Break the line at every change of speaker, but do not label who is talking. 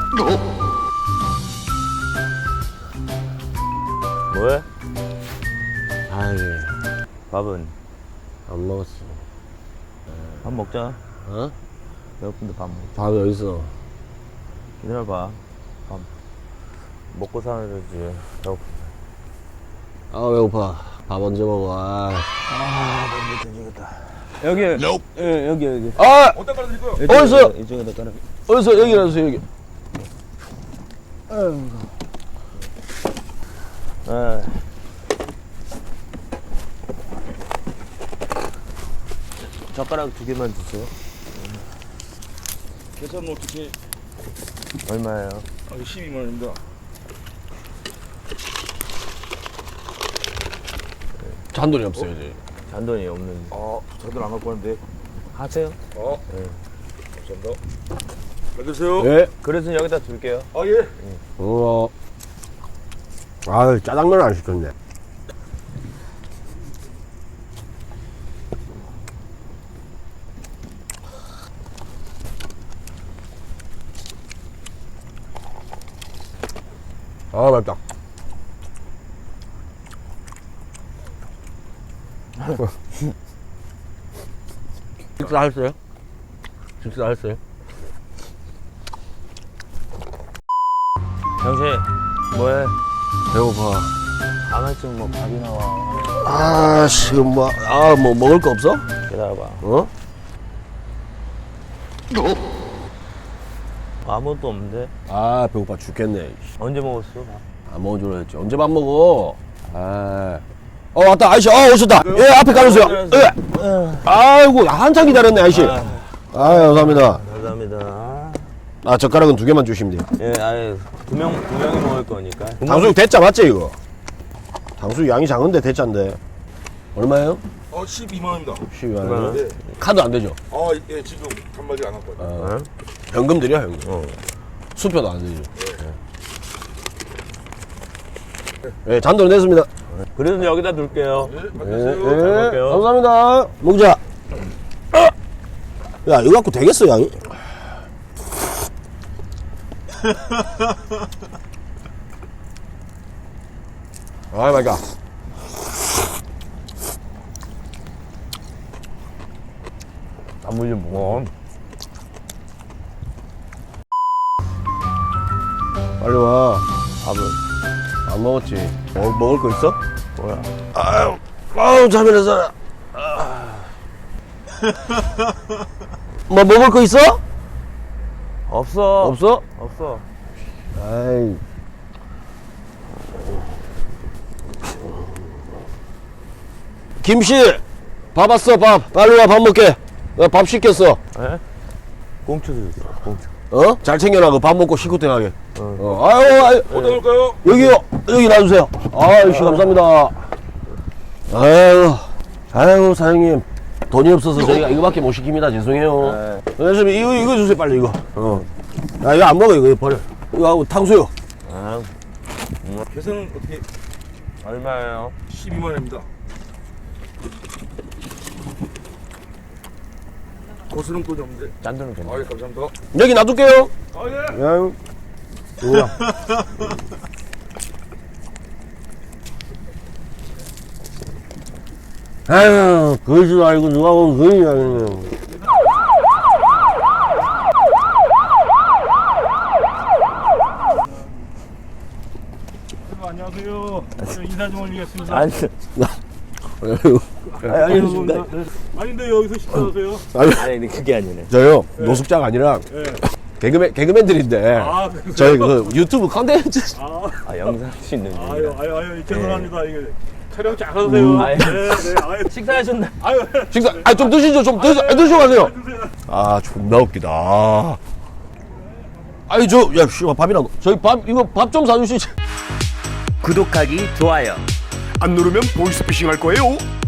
뭐해?
아이,
밥은?
안 먹었어.
밥 먹자.
어?
배고픈데 밥 먹자.
밥이 어딨어?
기다려봐. 밥 먹고 살아야지. 배고픈데.
아, 배고파. 밥 언제 먹어? 아,
너무 뒤지겠다. 여기. 예, 여기.
아!
어디다 깔아드릴 거요?
어디서?
이쪽에다 깔아.
어디서? 여기 놔주세요, 여기.
예. 젓가락 2개만 주세요.
계산은 어떻게?
얼마예요?
12만 원입니다.
잔돈이 없어요, 이제.
잔돈이 없는데.
저들 안 갖고 왔는데.
하세요?
네. 감사합니다. 잘 드세요.
예.
그릇은 여기다 둘게요.
예.
아, 짜장면 안 시켰네. 아, 맵다. 식사했어요? 식사했어요?
당신, 뭐해?
배고파.
아마쯤 뭐 밥이 나와.
아, 지금 뭐 먹을 거 없어?
기다려봐.
어?
아무것도 없는데?
아, 배고파 죽겠네.
언제 먹었어?
안 먹은 줄 알았지. 언제 밥 먹어? 아. 왔다. 아저씨, 오셨다. 예, 앞에 가주세요. 예. 아이고, 한참 기다렸네, 아저씨. 감사합니다.
감사합니다.
아, 젓가락은 2개만 주시면 돼요.
예, 아예 두 명이 먹을 거니까.
당수육 대짜 맞지, 이거? 당수육 양이 작은데 대짜인데. 얼마예요?
12만 원입니다.
12만 원.
네.
카드 안 되죠?
예, 지금 단말기 안 갖고 왔어요.
현금 드려, 현금. 수표도 안 되죠. 예, 잔돈 냈습니다.
그릇은 여기다 둘게요.
잘
예,
드세요.
먹을게요.
감사합니다. 먹자. 야, 이거 갖고 되겠어, 양이? 아이, 맛있다.
나물 좀 먹어.
빨리 와.
밥은?
안 먹었지. 먹을 거 있어?
뭐야?
아유, 잠이라서. 뭐 먹을 거 있어?
없어.
없어?
없어.
아이. 김씨, 밥 왔어, 밥. 빨리 와, 밥 먹게. 나 밥 시켰어.
예? 꽁초도 있어, 꽁초.
잘 챙겨놔, 밥 먹고 시구땡하게. 아유,
어디다 놓을까요?
여기요. 여기 놔주세요. 아이씨, 감사합니다. 아유, 사장님. 돈이 없어서 저희가 이거밖에 못 시킵니다. 죄송해요. 선생님, 이거 주세요, 빨리, 이거. 야, 이거 안 먹어, 이거 버려. 이거 하고 탕수육.
아,
계산은 어떻게?
얼마예요?
12만 원입니다. 거스름 돈이 없는데.
짠돈은 괜찮아.
예, 감사합니다.
여기 놔둘게요.
예.
아유. 뭐야. 아유, 그러지도 알고 누가 보면 그러냐, 그러면.
안녕하세요. 인사 좀 올리겠습니다.
아니, 알겠습니다.
아닌데 여기서 식사하세요?
아니, 그게 아니네.
저요, 노숙자가 아니라 개그맨들인데, 저희 그 유튜브 컨텐츠.
아, 영상 찍는 중.
아유, 죄송합니다. 이게 촬영 잘 하세요.
아유.
네, 아유.
식사하셨나?
아유,
식사, 좀 드시죠, 드시고 가세요. 아, 존나 웃기다. 아니, 야, 씨발, 밥이나, 저희 이거 밥 좀 사주시지.
구독하기, 좋아요.
안 누르면 보이스피싱 할 거예요.